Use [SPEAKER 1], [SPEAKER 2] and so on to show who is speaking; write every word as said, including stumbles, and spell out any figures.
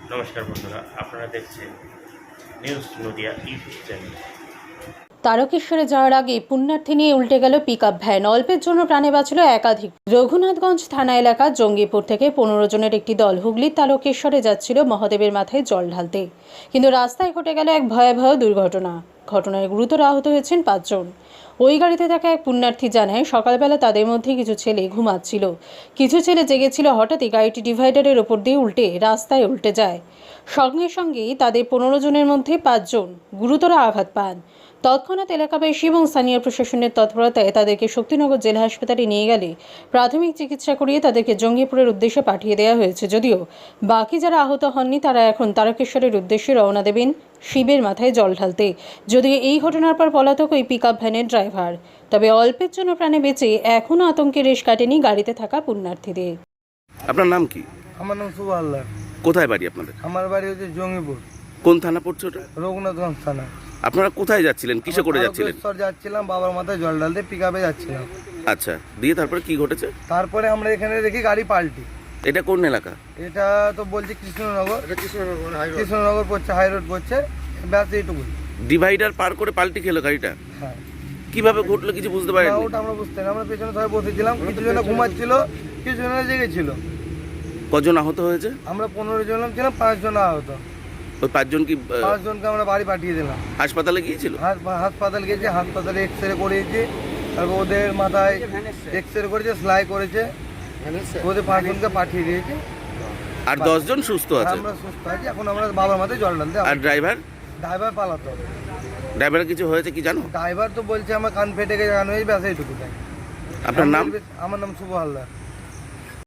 [SPEAKER 1] নমস্কার বন্ধুরা, আপনারা দেখছেন নিউজ নদিয়া ইউটিউব চ্যানেল।
[SPEAKER 2] তারকেশ্বরে যাওয়ার আগে পুণ্যার্থী নিয়ে উল্টে গেল পিকআপ ভ্যান। অল্পের জন্য প্রাণে বাঁচল একাধিক। রঘুনাথগঞ্জ থানা এলাকার জঙ্গিপুর থেকে পনেরো জনের একটি দল হুগলির তারকেশ্বরে যাচ্ছিল মহাদেবের মাথায় জল ঢালতে, কিন্তু রাস্তায় ঘটে গেল এক ভয়াবহ দুর্ঘটনা। ঘটনায় গুরুতর আহত হয়েছেন পাঁচজন। ওই গাড়িতে থাকা এক পুণ্যার্থী জানায়, সকালবেলা তাদের মধ্যে কিছু ছেলে ঘুমাচ্ছিল, কিছু ছেলে জেগেছিল। হঠাৎই গাড়িটি ডিভাইডারের ওপর দিয়ে উল্টে রাস্তায় উল্টে যায়। সঙ্গে সঙ্গেই তাদের পনেরো জনের মধ্যে পাঁচজন গুরুতর আঘাত পান। তৎক্ষণাৎ এলাকাবাসী এবং স্থানীয় প্রশাসনের তৎপরতায় তাদেরকে শক্তিনগর জেলা হাসপাতালে নিয়ে গেলে প্রাথমিক চিকিৎসা করিয়ে তাদেরকে জঙ্গিপুরের উদ্দেশ্যে পাঠিয়ে দেওয়া হয়েছে। যদিও বাকি যারা আহত হননি তারা এখন তারকেশ্বরের উদ্দেশ্যে রওনা দেবেন শিবের মাথায় জল ঢালতে। যদিও এই ঘটনার পর পলাতক ওই পিকআপ ভ্যানের ড্রাইভার। তবে অল্পের জন্য প্রাণে বেঁচে এখনও আতঙ্কের রেশ কাটেনি গাড়িতে থাকা পুণ্যার্থীদের।
[SPEAKER 3] আপনার নাম কি?
[SPEAKER 4] আমার নাম শুভ হালদার।
[SPEAKER 3] কোথায় বাড়ি আপনাদের?
[SPEAKER 4] আমার বাড়ি হচ্ছে জঙ্গিপুর।
[SPEAKER 3] কোন থানা পড়ছে ওটা?
[SPEAKER 4] রঘুনাথগঞ্জ থানা।
[SPEAKER 3] আপনারা কোথায় যাচ্ছিলেন, কিসে করে যাচ্ছিলেন?
[SPEAKER 4] তারকেশ্বর যাচ্ছিলাম, বাবার মাথায় জল ঢালতে পিকআপে যাচ্ছিলাম।
[SPEAKER 3] আচ্ছা, দিয়ে তারপরে কি ঘটেছে?
[SPEAKER 4] তারপরে আমরা এখানে দেখি গাড়ি পাল্টি।
[SPEAKER 3] এটা কোন এলাকা?
[SPEAKER 4] এটা তো বলছি কৃষ্ণনগর। কৃষ্ণনগর পড়ছে, হাই রোড পড়ছে, ব্যাস এইটুকু।
[SPEAKER 3] ডিভাইডার পার করে পাল্টি খেলো গাড়িটা?
[SPEAKER 4] হ্যাঁ।
[SPEAKER 3] কিভাবে ঘটলো কিছু বুঝতে পারেন?
[SPEAKER 4] ওটা আমরা বুঝতে না, আমরা পেছনে সবাই বসেছিলাম, কিছু জন ঘুমাচ্ছিল, কিছু জন জেগেছিল।
[SPEAKER 3] কজন আহত হয়েছে?
[SPEAKER 4] আমরা পনেরো জন ছিলাম, পাঁচজন আহত।
[SPEAKER 3] ওই পাঁচজন কি আহ,
[SPEAKER 4] পাঁচজনকে আমরা বাড়ি পাঠিয়ে দিলাম।
[SPEAKER 3] হাসপাতালে গিয়েছিল?
[SPEAKER 4] হাস- হাসপাতাল গেছে, হাসপাতালে এক্স রে করিয়েছে, তারপর ওদের মাথায় এক্স রে করেছে, সেলাই করেছে, ওদের পাঁচজনকে পাঠিয়ে দিয়েছে।
[SPEAKER 3] আর দশজন সুস্থ আছে?
[SPEAKER 4] আমরা সুস্থ আছি, এখন আমরা বাবার মাথায় জল ঢালতে।
[SPEAKER 3] আর ড্রাইভার?
[SPEAKER 4] ড্রাইভার পালাতো।
[SPEAKER 3] ড্রাইভার কিছু হয়েছে কি জানো?
[SPEAKER 4] ড্রাইভার তো বলছে আমার কান ফেটে গেছে, কান হয়েছে, ব্যাস এইটুকু।
[SPEAKER 3] আপনার নাম?
[SPEAKER 4] আমার নাম শুভ হালদার।